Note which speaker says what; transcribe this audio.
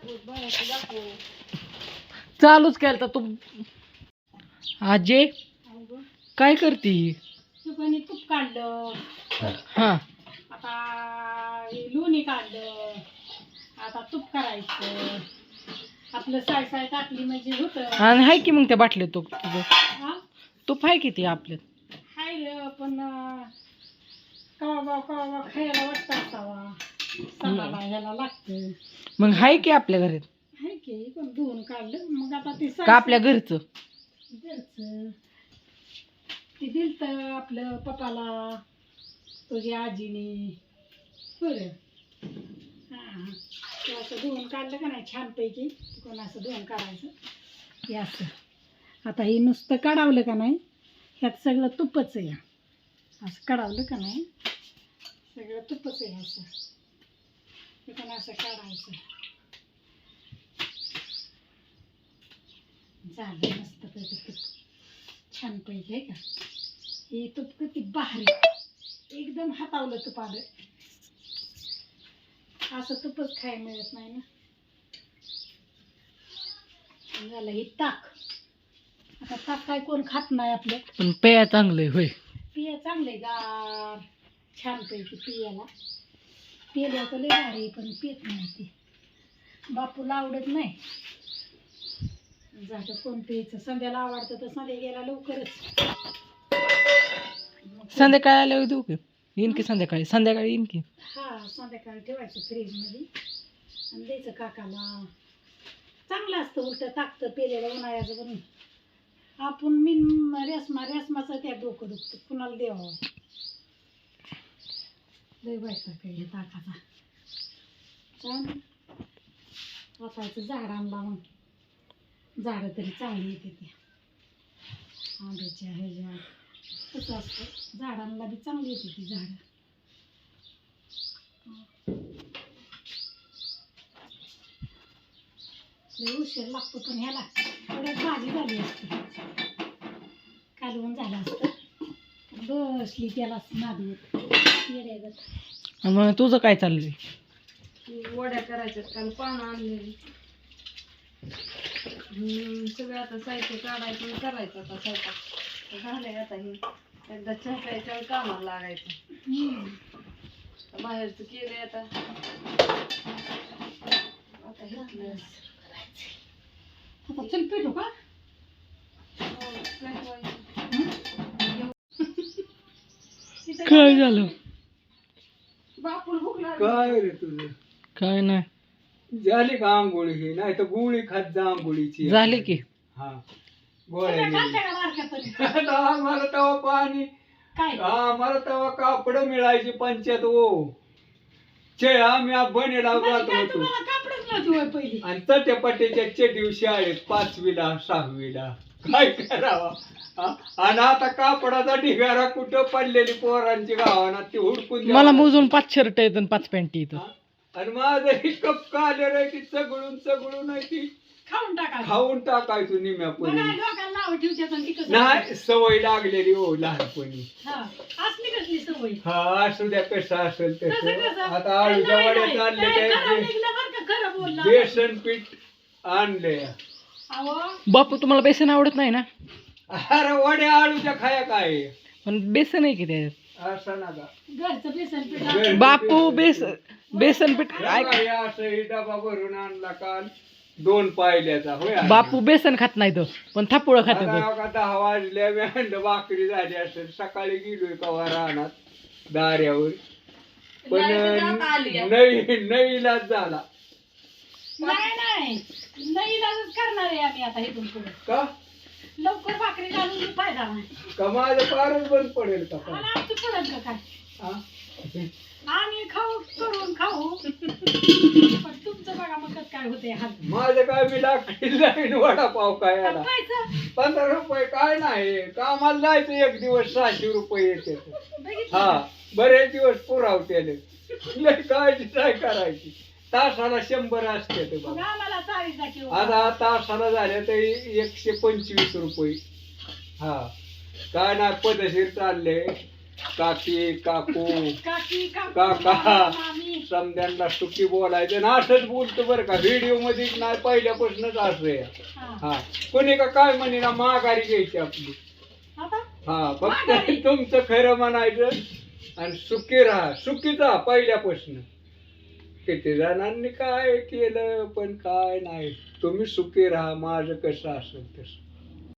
Speaker 1: चालूच केलं तू आजे काय करते?
Speaker 2: तुपाने तूप काढलं,
Speaker 1: हा
Speaker 2: आता लोणी काढलं, आता तूप करायचं. आपलं साय साय टाकली म्हणजे होतं.
Speaker 1: आणि हाय की मग त्या बाटलीत तूप तुझं
Speaker 2: हा
Speaker 1: तूप आहे किती आपल्यात?
Speaker 2: हाय रे, पण कवा खायला वाटतं असावा, सणाला ह्याला लागतं.
Speaker 1: मग हाय की आपल्या घरात
Speaker 2: हाय की, पण धुवून काढलं. मग आता ते
Speaker 1: का आपल्या घरचं?
Speaker 2: घरचं ते दिलतं आपलं पप्पाला, तुझ्या आजीने. बरं हां, ते असं धुवून काढलं का नाही छानपैकी. कोण असं धुवून काढायचं हे असं. आता हे नुसतं काढावलं का नाही, ह्यात सगळं तुपच आहे. असं काढावलं का नाही सगळं तुपच आहे. असं हे पण असं काढायचं. झालं मस्तपैकी तूप छानपैकी आहे का. हे तूप किती भारी, एकदम हातावलं तूप आलं. असं तुपच खायला मिळत नाही ना. झालं हे ताक. आता ताक काय कोण खात नाही आपलं,
Speaker 1: पण पेया चांगलंय होय.
Speaker 2: पिया चांगलंय गार छानपैकी. पियाला तर लय भारी, पण पित नाही ते. बापूला आवडत नाही. झालं कोण प्यायचं. संध्याला आवडतं तर संध्या गेला लवकरच.
Speaker 1: संध्याकाळी आल्यावर देऊ की? येईन की संध्याकाळी येईन की.
Speaker 2: हा, संध्याकाळी ठेवायचं फ्रीजमध्ये आणि द्यायचं काकाला. चांगलं असतं उलटं ताकतं पेलेलं उन्हाळ्याचं. बनून आपण रेसमाचं त्या डोकं दुखतं, कुणाला द्यावं. लय बायका काय हे ताकाचा. छान वाचायचं झाडांना. मग झाडं तरी चांगली येते ते आंब्याच्या ह्याच्या. कसं असतं, झाडांना बी चांगली येते ती झाडं. लय उशीर लागतो पण ह्याला. थोड्यात भाजी झाली असते, कालवण झालं असतं. बसली त्याला नादवत येड्यागत.
Speaker 1: आणि मग तुझं काय चाललंय?
Speaker 2: वड्या करायच्यात, काल पानं आणलेली. सगळं आता साहित्य काढायचं आणि करायचं. आता स्वयंपाक झालंय. आता हे एकदा चहा प्यायच्या कामाला लागायचं. बाहेरचं केलंय आता. आता घेतलं. आता चल पेटू का?
Speaker 1: काय झालं?
Speaker 2: बापूल भूक लागली.
Speaker 3: काय रे तुझं?
Speaker 1: काय नाही.
Speaker 3: झाली का आंघोळी? ही नाही तर गोळी खात जा आंघोळीची.
Speaker 1: झाली की.
Speaker 3: हा,
Speaker 2: सगळ्या
Speaker 3: गोळ्या
Speaker 2: खालच्या का बारक्यापर्यंत?
Speaker 3: आम्हाला तेव्हा पाणी,
Speaker 2: काय
Speaker 3: आम्हाला तेव्हा कापड मिळायची पंचायत. ओ चे आम्ही बनेला
Speaker 2: म्हणजे
Speaker 3: जात
Speaker 2: काय
Speaker 3: होतो.
Speaker 2: तुम्हाला कापडच नव्हती होय पहिली?
Speaker 3: आणि चट्यापट्याच्या दिवशी आहेत 5वीला 6वीला. काय करावा. आणि आता कापडाचा ढिगारा कुठं पडलेली पोरांची गावाना ती हुडकून
Speaker 1: मला मोजून 5 शर्ट आहेत आणि 5 पॅन्ट येत.
Speaker 3: आणि माझं ही कप कालेर आहे ती चगळून आहे ती
Speaker 2: खाऊन टाकायचं.
Speaker 3: खाऊन टाकायचो
Speaker 2: बघा,
Speaker 3: निम्यापणी.
Speaker 2: डोक्याला नाव ठेवतात आणि ती कसं.
Speaker 3: नाही, सवय लागलेली हो लहानपणी.
Speaker 2: हा, असली कसली सवय.
Speaker 3: हा, असू द्या कसं असेल
Speaker 2: कसं
Speaker 3: तसं.
Speaker 2: कसं?
Speaker 3: आता आळूच्या
Speaker 2: नाही,
Speaker 3: वड्या
Speaker 2: नाही.
Speaker 3: चालले
Speaker 2: काय खरं
Speaker 3: काय
Speaker 2: निघलं बरं का, खरं बोलला.
Speaker 3: बेसन पीठ आणले.
Speaker 2: अहो,
Speaker 1: बापू तुम्हाला बेसन आवडत नाही ना?
Speaker 3: अरे वड्या आळूच्या खाया काय
Speaker 1: पण बेसन आहे की त्याच्यात.
Speaker 3: असं नका.
Speaker 2: घरचं बेसन पीठ
Speaker 3: बेसन
Speaker 2: आपण-
Speaker 1: बापू बेसन पीठ
Speaker 3: हे बघा, हे असं हे डबा भरून आणला काल 2 पायल्याचा. होय आणला.
Speaker 1: बापू बेसन खात नाही तो, पण थापुळ खात.
Speaker 3: आता बघा 10 वाजल्या मी म्हणलं भाकरी झाली असेल. सकाळी गेलोय कवा रानात दाऱ्यावर, पण नईलाच झाला.
Speaker 2: नाही इलाजच करणार आहे आम्ही आता इथून पुढे.
Speaker 3: का
Speaker 2: लवकर भाकरी घालून फायदा नाही.
Speaker 3: का माझं फारच बंद पडेल का
Speaker 2: आणि आमचं पडत का काय?
Speaker 3: हा?
Speaker 2: आम्ही खाऊ करून खाऊ, पण तुमचं बघा मग कसं काय होते हाल.
Speaker 3: माझं काय मी लाकडी जाईन वडापाव काय याला
Speaker 2: पैसा
Speaker 3: 15 रुपये काय नाही. कामाला जायचं एक दिवस 600 रुपये येते.
Speaker 2: बघितलं
Speaker 3: हा,
Speaker 2: का?
Speaker 3: बरेच दिवस पुरावतेले. लय काळजी काय करायची. तासाला 100 असते ते
Speaker 2: मग
Speaker 3: बघा.
Speaker 2: आम्हाला चाळीचा किलो.
Speaker 3: आता तासाला झाले तरी 125 रुपये. हा, काय नाही पदशीर चालले. काकी काकू
Speaker 2: काकी
Speaker 3: काका.
Speaker 2: मामी.
Speaker 3: समद्यांना सुखी बोलायचं ना असंच बोलतो बरं का व्हिडिओ मध्ये नाही पहिल्यापासूनच असं आहे.
Speaker 2: हा.
Speaker 3: हा कोणी का काय म्हणे ना माघारी घ्यायची आपली.
Speaker 2: आता
Speaker 3: हा फक्त
Speaker 2: माघारी.
Speaker 3: तुमचं खरं म्हणायचं आणि सुखी राहा सुखीच राहा पहिल्यापासून. किती जणांनी काय केलं पण काय नाही तुम्ही सुखी राहा माझं कसं असेल तसं.